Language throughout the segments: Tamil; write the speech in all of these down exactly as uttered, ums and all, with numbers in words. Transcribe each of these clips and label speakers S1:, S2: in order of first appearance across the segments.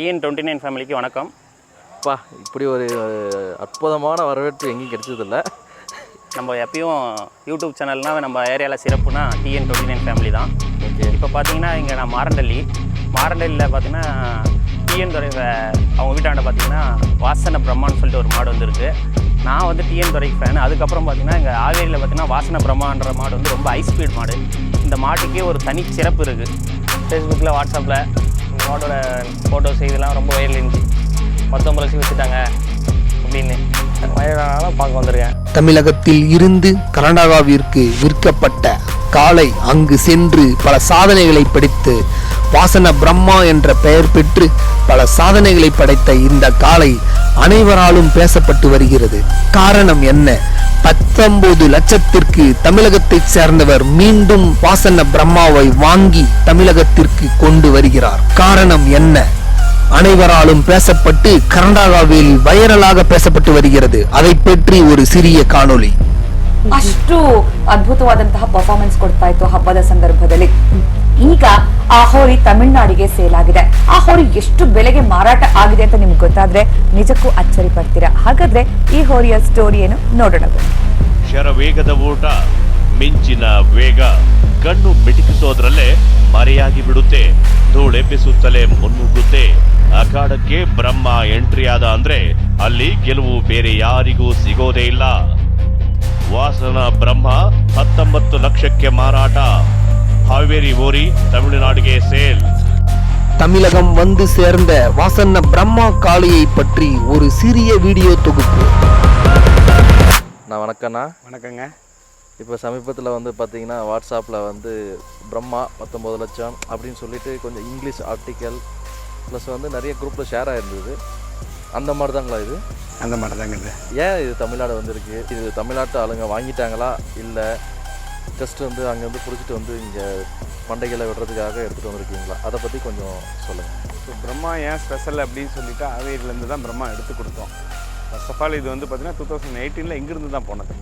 S1: டிஎன் டுவெண்ட்டி நைன் ஃபேமிலிக்கு வணக்கம்.
S2: பா இப்படி ஒரு அற்புதமான வரவேற்பு எங்கேயும் கிடைச்சதில்ல.
S1: நம்ம எப்பயும் யூடியூப் சேனல்னால் நம்ம ஏரியாவில் சிறப்புனா டிஎன் டுவெண்ட்டி நைன் ஃபேமிலி தான்.
S2: ஓகே.
S1: இப்போ பார்த்தீங்கன்னா இங்கே நான் மாரண்டள்ளி மாரண்டள்ளியில் பார்த்தீங்கன்னா டிஎன் துறை அவங்க வீட்டாண்ட பார்த்தீங்கன்னா வாசன பிரம்மான்னு சொல்லிட்டு ஒரு மாடு வந்துருக்கு. நான் வந்து டிஎன் துறை ஃபேன். அதுக்கப்புறம் பார்த்தீங்கன்னா இங்கே ஆவேரியில் பார்த்தீங்கன்னா வாசன பிரம்மான்ற மாடு வந்து ரொம்ப ஹை ஸ்பீட் மாடு. இந்த மாட்டுக்கே ஒரு தனி சிறப்பு இருக்குது. ஃபேஸ்புக்கில் வாட்ஸ்அப்பில் இந்த மாட்டோட ஃபோட்டோஸ் இதெல்லாம் ரொம்ப வைரல் இருந்துச்சு. பத்தொம்பது லட்சம் வச்சுட்டாங்க அப்படின்னு வயதானால பார்க்க வந்திருக்கேன்.
S3: தமிழகத்தில் இருந்து கர்நாடகாவிற்கு விற்கப்பட்ட காளை அங்கு சென்று பல சாதனைகளை படைத்து வாசன பிரம்மா என்ற பெயர் பெற்று பல சாதனைகளை படைத்த இந்த காளை அனைவராலும் பேசப்பட்டு வருகிறது. காரணம் என்ன? பத்தொன்பது லட்சத்திற்கு தமிழகத்தை சேர்ந்தவர் மீண்டும் வாசன பிரம்மாவை வாங்கி தமிழகத்திற்கு கொண்டு வருகிறார். காரணம் என்ன? அனைவராலும் பேசப்பட்டு கர்நாடகாவில் வைரலாக பேசப்பட்டு வருகிறது. அதை பற்றி ஒரு சிறிய ಕಾಣೋಲಿ.
S4: ಅಷ್ಟು ಅದ್ಭುತವಾದಂತಹ ಪರ್ಫಾರ್ಮೆನ್ಸ್ ಕೊಡ್ತಾ ಇತ್ತು ಹಬ್ಬದ ಸಂದರ್ಭದಲ್ಲಿ. ಈಗ ಆ ಹೋರಿ ತಮಿಳುನಾಡಿಗೆ ಸೇಲ್ ಆಗಿದೆ. ಆ ಹೋರಿ ಎಷ್ಟು ಬೆಲೆಗೆ ಮಾರಾಟ ಆಗಿದೆ ಅಂತ ನಿಮ್ಗೆ ಗೊತ್ತಾದ್ರೆ ನಿಜಕ್ಕೂ ಅಚ್ಚರಿ ಪಡ್ತೀರಾ. ಹಾಗಾದ್ರೆ ಈ ಹೋರಿಯ ಸ್ಟೋರಿ ಏನು ನೋಡೋಣ.
S5: ಶರವೇಗದ ಓಟ, ಮಿಂಚಿನ ವೇಗ, ಕಣ್ಣು ಮಿಟುಕಿಸೋದ್ರಲ್ಲೇ ಮರೆಯಾಗಿ ಬಿಡುತ್ತೆ. ಧೂಳೆಬ್ಬಿಸುತ್ತಲೇ ಮುನ್ನುಗ್ಗುತ್ತೆ. ಅಖಾಡಕ್ಕೆ ಬ್ರಹ್ಮ ಎಂಟ್ರಿ ಆದ ಅಂದ್ರೆ ಅಲ್ಲಿ ಗೆಲುವು ಬೇರೆ ಯಾರಿಗೂ ಸಿಗೋದೇ ಇಲ್ಲ. ವಾಸನ ಬ್ರಹ್ಮ ಹತ್ತೊಂಬತ್ತು ಲಕ್ಷಕ್ಕೆ ಮಾರಾಟ. ಹಾವೇರಿ ಓರಿ ತಮಿಳುನಾಡಿಗೆ ಸೇಲ್.
S3: தமிழகம் வந்து சேர்ந்த வாசன பிரம்மா காளையை பற்றி ஒரு சிறிய வீடியோ தொகுப்பு.
S2: நான் வணக்கண்ணா.
S1: வணக்கங்க.
S2: இப்போ சமீபத்தில் வந்து பார்த்தீங்கன்னா வாட்ஸ்அப்பில் வந்து பிரம்மா பத்தொம்பது லட்சம் அப்படின்னு சொல்லிட்டு கொஞ்சம் இங்கிலீஷ் ஆர்டிக்கல் ப்ளஸ் வந்து நிறைய குரூப்பில் ஷேர் ஆகிருந்தது. அந்த மாதிரி தாங்களா இது?
S6: அந்த மாதிரி தாங்க. இது
S2: ஏன் இது தமிழ்நாடு வந்திருக்கு? இது தமிழ்நாட்டு ஆளுங்க வாங்கிட்டாங்களா இல்லை ஜஸ்ட் வந்து அங்கே வந்து பிடிச்சிட்டு வந்து இங்கே பண்டைகளை விடுறதுக்காக எடுத்துகிட்டு வந்திருக்கீங்களா? அதை பற்றி கொஞ்சம் சொல்லுங்கள்.
S6: ஸோ பிரம்மா ஏன் ஸ்பெஷல் அப்படின்னு சொல்லிட்டு ஆவேரியிலேருந்து தான் பிரம்மா எடுத்து கொடுத்தோம். ஃபர்ஸ்ட் ஆஃப் ஆல் இது வந்து பார்த்திங்கன்னா டூ தௌசண்ட் எயிட்டீனில் இங்கிருந்து தான் போனது.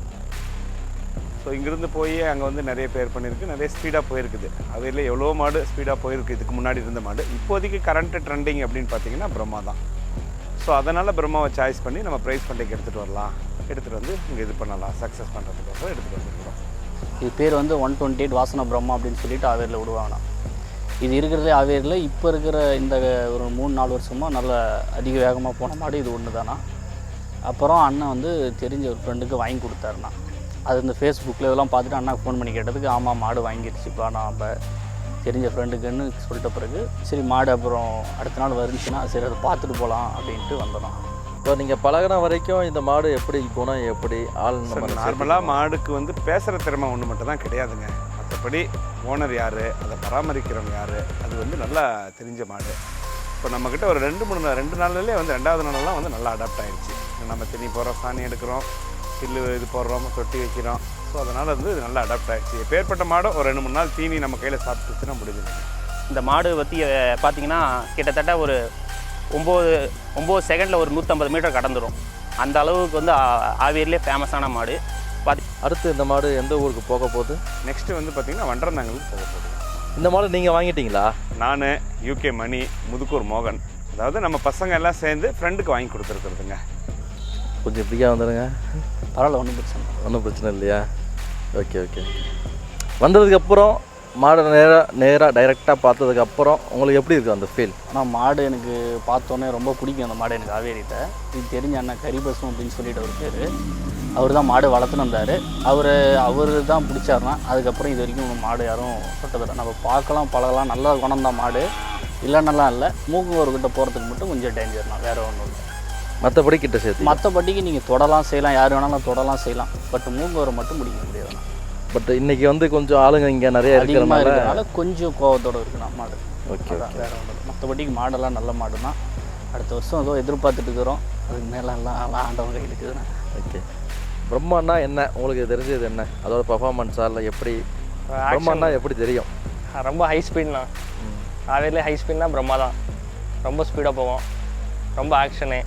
S6: ஸோ இங்கிருந்து போய் அங்கே வந்து நிறைய பேர் பண்ணியிருக்கு, நிறைய ஸ்பீடாக போயிருக்குது. ஆவேரியில் எவ்வளோ மாடு ஸ்பீடாக போயிருக்கு இதுக்கு முன்னாடி இருந்த மாடு. இப்போதைக்கு கரண்ட் ட்ரெண்டிங் அப்படின்னு பார்த்தீங்கன்னா பிரம்மா தான். ஸோ அதனால் பிரம்மாவை சாய்ஸ் பண்ணி நம்ம ப்ரைஸ் பண்டைக்கு எடுத்துகிட்டு வரலாம், எடுத்துகிட்டு வந்து இங்கே இது பண்ணலாம், சக்ஸஸ் பண்ணுறதுக்கோசரம் எடுத்துகிட்டு வந்துருக்கிறோம்.
S7: இது பேர் வந்து ஒன் டுவெண்ட்டி எயிட் வாசன பிரம்மா அப்படின்னு சொல்லிட்டு ஆவேரியில் விடுவாங்கண்ணா. இது இருக்கிறதே ஆவேரியில் இப்போ இருக்கிற இந்த ஒரு மூணு நாலு வருஷமாக நல்ல அதிக வேகமாக போன மாடு இது ஒன்று தானா. அப்புறம் அண்ணன் வந்து தெரிஞ்ச ஒரு ஃப்ரெண்டுக்கு வாங்கி கொடுத்தாருண்ணா. அது இந்த ஃபேஸ்புக்கில் இதெல்லாம் பார்த்துட்டு அண்ணாக்கு ஃபோன் பண்ணி கேட்டதுக்கு ஆமாம் மாடு வாங்கிடுச்சுப்பா நான் அப்போ தெரிஞ்ச ஃப்ரெண்டுக்குன்னு சொல்லிட்ட பிறகு சரி மாடு அப்புறம் அடுத்த நாள் வந்துச்சுன்னா சரி அதை பார்த்துட்டு போகலாம் அப்படின்ட்டு வந்தோம்.
S2: இப்போ நீங்கள் பழகின வரைக்கும் இந்த மாடு எப்படி குணம் எப்படி ஆள்?
S6: நார்மலாக மாடுக்கு வந்து பேசுகிற திறமை ஒன்று மட்டும் தான் கிடையாதுங்க. மற்றபடி ஓனர் யார், அதை பராமரிக்கிறவங்க யார், அது வந்து நல்லா தெரிஞ்ச மாடு. இப்போ நம்மக்கிட்ட ஒரு ரெண்டு மூணு ரெண்டு நாள்லேயே வந்து ரெண்டாவது நாளெல்லாம் வந்து நல்லா அடாப்ட் ஆகிடுச்சு. நம்ம தண்ணி போடுறோம், சாணி எடுக்கிறோம், பில்லு இது போடுறோம், தொட்டி வைக்கிறோம். ஸோ அதனால் வந்து நல்லா அடாப்ட் ஆகிடுச்சு. எப்பேற்பட்ட மாடும் ஒரு ரெண்டு மூணு நாள் தீனி நம்ம கையில் சாப்பிட்டுச்சுன்னா முடிஞ்சுது.
S1: இந்த மாடு பற்றி பார்த்தீங்கன்னா கிட்டத்தட்ட ஒரு ஒம்பது ஒம்பது செகண்டில் ஒரு நூற்றம்பது மீட்டர் கடந்துடும். அந்த அளவுக்கு வந்து ஆவேரிலே ஃபேமஸான மாடு. பார்த்து
S2: அடுத்து இந்த மாடு எந்த ஊருக்கு போக போகுது?
S6: நெக்ஸ்ட்டு வந்து பார்த்திங்கன்னா வண்டரந்தாங்களுக்கு போக போகுது.
S2: இந்த மாடு நீங்கள் வாங்கிட்டீங்களா?
S6: நான் யூகே மணி, முதுக்கூர் மோகன், அதாவது நம்ம பசங்க எல்லாம் சேர்ந்து ஃப்ரெண்டுக்கு வாங்கி கொடுத்துருக்குறதுங்க.
S2: கொஞ்சம் ஃப்ரீயாக வந்துடுங்க.
S7: பரவாயில்ல, ஒன்றும் பிரச்சனை
S2: ஒன்றும் பிரச்சனை இல்லையா? Okay okay. வந்ததுக்கப்புறம் மாடை நேராக நேராக டைரெக்டாக பார்த்ததுக்கப்புறம் உங்களுக்கு எப்படி இருக்குது அந்த ஃபீல்?
S7: ஆனால் மாடு எனக்கு பார்த்தோன்னே ரொம்ப பிடிக்கும். அந்த மாடு எனக்கு ஆவேரிட்ட இது தெரிஞ்ச அண்ணன் கரிபசம் அப்படின்னு சொல்லிட்டு ஒரு பேர். அவர் தான் மாடு வளர்த்துன்னு வந்தார். அவர் அவர் தான் பிடிச்சாருனா அதுக்கப்புறம் இது வரைக்கும் மாடு யாரும் தொட்டதில்லை. நம்ம பார்க்கலாம் பழகலாம், நல்ல குணம் தான் மாடு இல்லைன்னெல்லாம் இல்லை. மூக்குவர்கிட்ட போகிறதுக்கு மட்டும் கொஞ்சம் டேஞ்சர் தான், வேறு ஒன்றும் இல்லை.
S2: மற்றபடி கிட்ட சேர்த்து
S7: மற்றபடிக்கு நீங்கள் தொடலாம் செய்யலாம், யார் வேணாலும் தொடலாம் செய்யலாம். பட் மூக்குவரை மட்டும் பிடிக்க முடியாது.
S2: பட் இன்னைக்கு வந்து கொஞ்சம் ஆளுங்க இங்கே நிறைய
S7: இருக்கிறதுனால கொஞ்சம் கோவத்தோடு இருக்குண்ணா மாடு.
S2: ஓகே,
S7: வேறு ஒன்று. மற்றபடிக்கு மாடெல்லாம் நல்ல மாடு தான். அடுத்த வருஷம் ஏதோ எதிர்பார்த்துட்டு இருக்கிறோம். அதுக்கு மேலே எல்லாம் எல்லாம் ஆண்டவங்க கையில் இருக்குதுண்ணா.
S2: ஓகே. பிரம்மாண்ணா என்ன உங்களுக்கு தெரிஞ்சது என்ன? அதோட பர்ஃபார்மன்ஸா இல்லை எப்படி? பிரம்மாண்ணா எப்படி தெரியும்?
S1: ரொம்ப ஹை ஸ்பீட்னா ஆவேரிலே ஹை ஸ்பீட்னா பிரம்மா தான். ரொம்ப ஸ்பீடாக போவோம், ரொம்ப ஆக்ஷனு,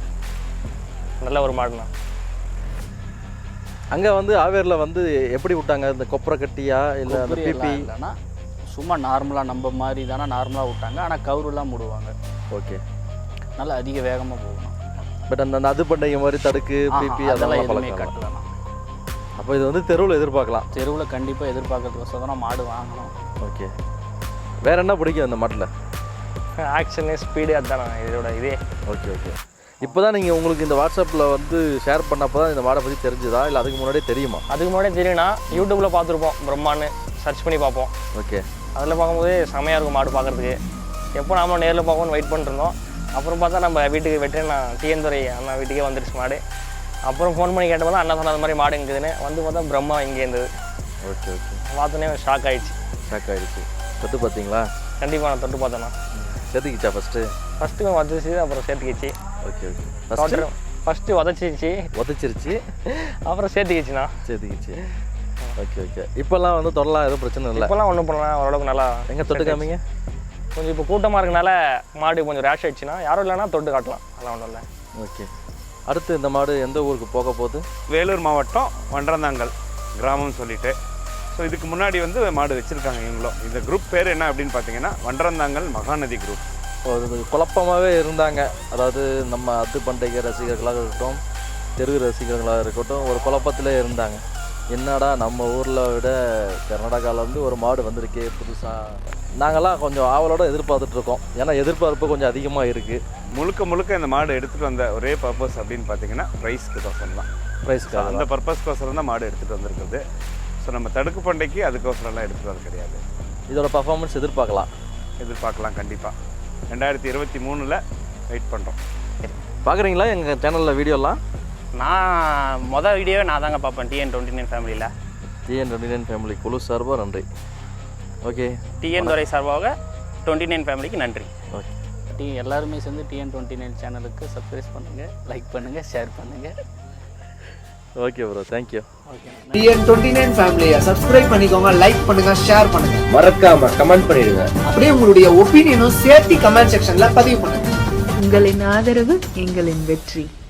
S1: நல்ல ஒரு மாடுண்ணா.
S2: அங்கே வந்து ஆவேரில் வந்து எப்படி விட்டாங்க? இந்த கொப்பரை கட்டியா இல்லை அந்த பிபி?
S7: இல்லைன்னா சும்மா நார்மலாக நம்ம மாதிரி தானே நார்மலாக விட்டாங்க. ஆனால் கவுருலாம் மூடுவாங்க.
S2: ஓகே.
S7: நல்லா அதிக வேகமாக போகணும்.
S2: பட் அந்த அந்த அது பண்டைய மாதிரி தடுக்கு பிபி
S7: அதெல்லாம்
S2: அதெல்லாம்
S7: எதுவுமே
S2: பழக்கலாம்.
S7: கட்டலாம்.
S2: அப்போ இது வந்து தெருவில் எதிர்பார்க்கலாம்.
S7: தெருவில் கண்டிப்பாக எதிர்பார்க்கறதுக்கோசரம் தான் மாடு வாங்கணும்.
S2: ஓகே, வேற என்ன பிடிக்கும் அந்த மாட்டில்?
S8: ஆக்ஷனு ஸ்பீடு அதுதான் இதோட இதே.
S2: Okay okay. இப்போ தான் நீங்கள் உங்களுக்கு இந்த வாட்ஸ்அப்பில் வந்து ஷேர் பண்ணப்போ தான் இந்த மாடை பற்றி தெரிஞ்சுதா இல்லை அதுக்கு முன்னாடியே தெரியுமா?
S8: அதுக்கு முன்னாடியே தெரியும்னா யூடியூப்பில் பார்த்துருப்போம், பிரம்மான்னு சர்ச் பண்ணி பார்ப்போம்.
S2: ஓகே.
S8: அதில் பார்க்கும்போது செமையாக இருக்கும் மாடு பார்க்குறதுக்கு. எப்போ நாம நேரில் பார்க்கணும்னு வெயிட் பண்ணிருந்தோம். அப்புறம் பார்த்தா நம்ம வீட்டுக்கு வெட்டேன் நான் டிஎன் துறை அண்ணா வீட்டுக்கே வந்துருச்சு மாடு. அப்புறம் ஃபோன் பண்ணி கேட்டப்போ தான் அண்ணா சொன்ன மாதிரி மாடு இருக்குதுன்னு வந்து பார்த்தா பிரம்மா இங்கே இருந்தது.
S2: Okay okay.
S8: பார்த்தோன்னே ஷாக் ஆகிடுச்சு.
S2: ஷாக் ஆகிடுச்சு. தொட்டு பார்த்தீங்களா?
S8: கண்டிப்பாக நான் தொட்டு பார்த்தேண்ணா.
S2: சேர்த்துக்கிச்சா ஃபஸ்ட்டு? ஃபஸ்ட்டு
S8: வதச்சிச்சு, அப்புறம் சேர்த்துக்கிச்சு.
S2: Okay okay. ஃபஸ்ட்டு
S8: ஃபஸ்ட்டு வதச்சிச்சு,
S2: உதச்சிருச்சு,
S8: அப்புறம் சேர்த்துக்கிச்சுண்ணா.
S2: சேர்த்துக்கிச்சு. Okay okay. இப்போல்லாம் வந்து தொடலாம் எதுவும் பிரச்சனை இல்லை?
S8: இப்போல்லாம் ஒன்றும் பண்ணலாம், ஓரளவுக்கு நல்லா.
S2: எங்கே தொட்டு காமிங்க?
S8: கொஞ்சம் இப்போ கூட்டமாக இருக்கனால மாடு கொஞ்சம் ரேஷ் ஆயிடுச்சுன்னா யாரும் இல்லைன்னா தொட்டு காட்டலாம், அதெல்லாம் ஒன்றும் இல்லை.
S2: ஓகே. அடுத்து இந்த மாடு எந்த ஊருக்கு போக போகுது?
S6: வேலூர் மாவட்டம் வண்டரந்தாங்கல் கிராமம்னு சொல்லிட்டு. ஸோ இதுக்கு முன்னாடி வந்து மாடு வச்சுருக்காங்க இவங்களும். இந்த குரூப் பேர் என்ன அப்படின்னு பார்த்தீங்கன்னா வண்டரந்தாங்கல் மகாநதி குரூப்.
S2: அது குழப்பமாகவே இருந்தாங்க. அதாவது நம்ம அது பண்டைய ரசிகர்களாக இருக்கட்டும், தெரு ரசிகர்களாக இருக்கட்டும், ஒரு குழப்பத்திலே இருந்தாங்க. என்னடா நம்ம ஊரில் விட கர்நாடகாவில் வந்து ஒரு மாடு வந்திருக்கே புதுசாக. நாங்கள்லாம் கொஞ்சம் ஆவலோடு எதிர்பார்த்துட்ருக்கோம். ஏன்னா எதிர்பார்ப்பு கொஞ்சம் அதிகமாக இருக்குது.
S6: முழுக்க முழுக்க இந்த மாடு எடுத்துகிட்டு வந்த ஒரே பர்பஸ் அப்படின்னு பார்த்தீங்கன்னா ப்ரைஸ்க்கு கோசரம் தான்.
S2: ப்ரைஸ்க்கு
S6: அந்த பர்பஸ்க்கோசரம் தான் மாடு எடுத்துகிட்டு வந்திருக்குது. ஸோ நம்ம தடுக்கு பண்டைக்கு அதுக்கோசரம்லாம் எடுத்துகிட்டு வர கிடையாது.
S2: இதோட பர்ஃபார்மன்ஸ் எதிர்பார்க்கலாம்
S6: எதிர்பார்க்கலாம் கண்டிப்பாக. ரெண்டாயிரத்தி இருபத்தி மூணில் வெயிட் பண்ணுறோம்.
S2: பார்க்குறீங்களா எங்கள் சேனலில் வீடியோலாம்?
S1: நான் மொதல் வீடியோவே நான் தாங்க பார்ப்பேன் டிஎன் டுவெண்ட்டி நைன் ஃபேமிலியில்.
S2: டிஎன் டுவெண்ட்டி நைன் ஃபேமிலி குழு சார்பாக நன்றி. ஓகே.
S1: டிஎன் துறை சார்பாக டுவெண்ட்டி நைன் ஃபேமிலிக்கு நன்றி.
S2: ஓகே.
S7: டி எல்லாருமே சேர்ந்து டிஎன் டுவெண்ட்டி நைன் சேனலுக்கு சப்ஸ்கிரைப் பண்ணுங்கள், லைக் பண்ணுங்கள், ஷேர் பண்ணுங்கள்.
S2: Okay bro, thank you.
S7: Okay.
S3: TN twenty nine ஃபேமிலியை சப்ஸ்கிரைப் பண்ணிக்கோங்க, லைக் பண்ணுங்க, ஷேர் பண்ணுங்க,
S9: மறக்காம கமெண்ட் பண்ணிடுங்க.
S3: அப்படியே உங்களுடைய ஒப்பீனியனும் சேர்த்து கமெண்ட் செக்ஷன்ல பதிவு பண்ணுங்க.
S10: உங்களின் ஆதரவு எங்களின் வெற்றி.